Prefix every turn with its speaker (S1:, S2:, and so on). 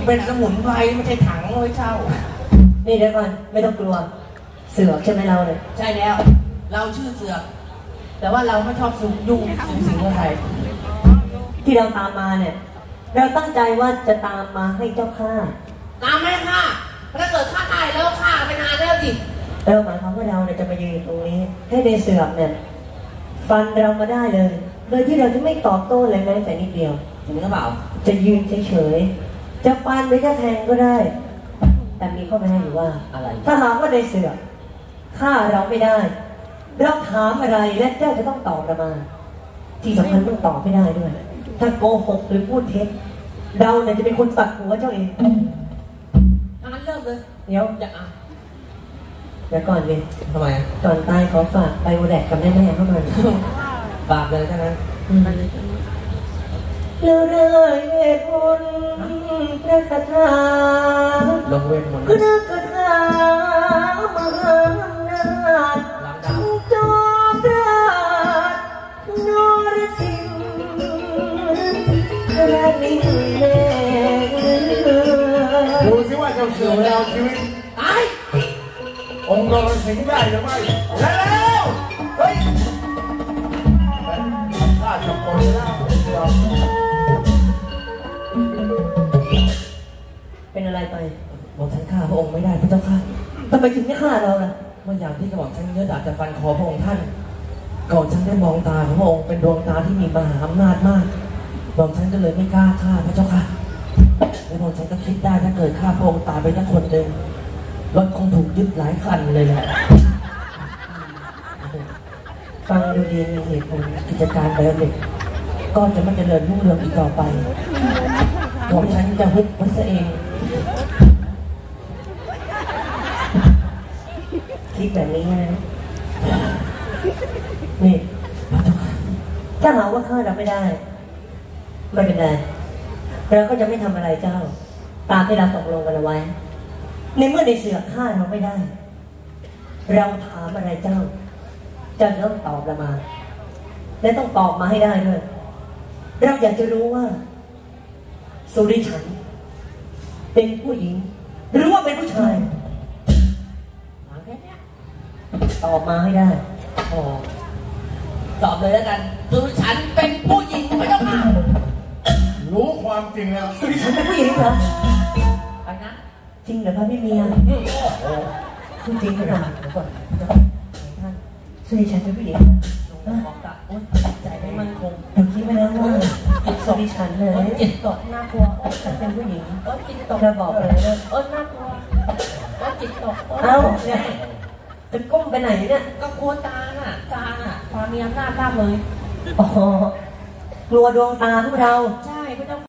S1: เป็นสมุนไพรไม่ใช่ถังไว้เช่า
S2: นี่เดี๋ยวก่อนไม่ต้องกลัวเสือกใช่ไหมเราเนี่ย
S1: ใช่แล้วเราชื่อเสือกแต่ว่าเราไม่ชอบยุ่งสูงสิงกับใคร
S2: ที่เราตามมาเนี่ยเราตั้งใจว่าจะตามมาให้เจ้าข้า
S1: ตามไหมค่ะถ้าเกิดข้าตายแล้วข้าไปนานแล้วดิ
S2: เราหมายความว่าเราเนี่ยจะมายืนตรงนี้ให้ในเสือกเนี่ยฟันเรามาได้เลยโดยที่เราจะไม่ตอบโต้เลยแม้แต่นิดเดียว
S1: จริงหรือเปล่า
S2: จะยืนเฉยๆจะฟันหรือจะแทงก็ได้แต่มีข้อแม้อยู่ว่า
S1: อะไร
S2: ถ้าหากว่าในเสือกฆ่าเราไม่ได้เราถามอะไรและเจ้าจะต้องตอบเรามาที่สำคัญต้องตอบไม่ได้ด้วยถ้าโกหกหรือพูดเท็จเราเนี่ยจะเป็นคนตัดหัวเจ้าเอง
S1: งั้นเริ่มเลย
S2: เดี๋ยวก่อนเลย
S1: ทำไม
S2: ก่อนตายขอฝากไปโอแดกกับแม่เข้ามา
S1: ฝากเลยเท่านั้น
S2: เราเลยเวทมนต์พระคาถา
S1: ลงเวทมนต์
S2: พระคาถามหาอำนาจจอมราชนรสิงห์และนิ่งแน่
S3: ดูสิว่าเจ้าเสือแล้วชีวิต
S1: ตาย
S3: องค์นรสิงห์ได้หรือไม่แล้วเฮ้ยข้าจะปล่อยแล้ว
S2: เป็นอะไรไป
S1: บอกฉันฆ่าพระองค์ไม่ได้พระเจ้าค่ะ
S2: ทำไมถึงไม่ฆ่าเราล่ะ
S1: เมื่ออย่างที่กระบอกฉันเนื้อดาบจะฟันคอพระองค์ท่านก่อนฉันได้มองตาพระองค์เป็นดวงตาที่มีมหาอำนาจมากบอกฉันก็เลยไม่กล้าฆ่าพระเจ้าค่ะแล้วบอกฉันก็คิดได้ถ้าเกิดฆ่าพระองค์ตายไปทั้งคนหนึ่งรถคงถูกยึดหลายคันเลยแหละ
S2: ฟังดูดีมีเหตุผล
S1: กิจการแบบเด็กก็จะไม่เจริญรุ่งเรืองอีกต่อไปของฉันจะฮุบไว้ซะเอง
S2: คิดแบบนี้นะนี่ถ้าหาว่าฆ่าเราไม่ได้ไม่เป็นไรเราก็จะไม่ทำอะไรเจ้าตามที่เราตกลงกันเอาไว้ในเมื่อในเสือฆ่าเราไม่ได้เราถามอะไรเจ้าจะต้องตอบเรามาและต้องตอบมาให้ได้ด้วยเราอยากจะรู้ว่าสุริฉันเป็นผู้หญิงหรือว่าเป็นผู้ชาย
S1: ถามแค่นี้
S2: ตอบมาให้ได้
S1: ตอบเลยแล้วกันสุริฉันเป็นผู้หญิงไม่ต้องมา
S3: รู้ความจริงแล้ว
S2: สุริฉันเป็นผู้หญิงเหรอ
S1: ไปนะ
S2: จริงเหรอพระพี่เมียพูดจริงหรือเปล่าเดี๋ยวก่อนท่านสุริฉันเป็นผู้หญิง
S1: บอกกะโอ๊ยใจไม่มั่นคง
S2: ผมคิดไปแล้วว่าสุริฉันเลย
S1: จิตตกน่ากลัว
S2: เป็นผู้หญิง
S1: จิตตก
S2: เราบอกเลยนะ
S1: น่ากลัวจิตตก
S2: เอ้าเนี่ยจะก้มไปไหนเนี่ย
S1: ก็กลัวตาความมีอำนาจมากเลย
S2: อ๋อกลัวดวงตาพวกเรา
S1: ใช่ไม่ต้อง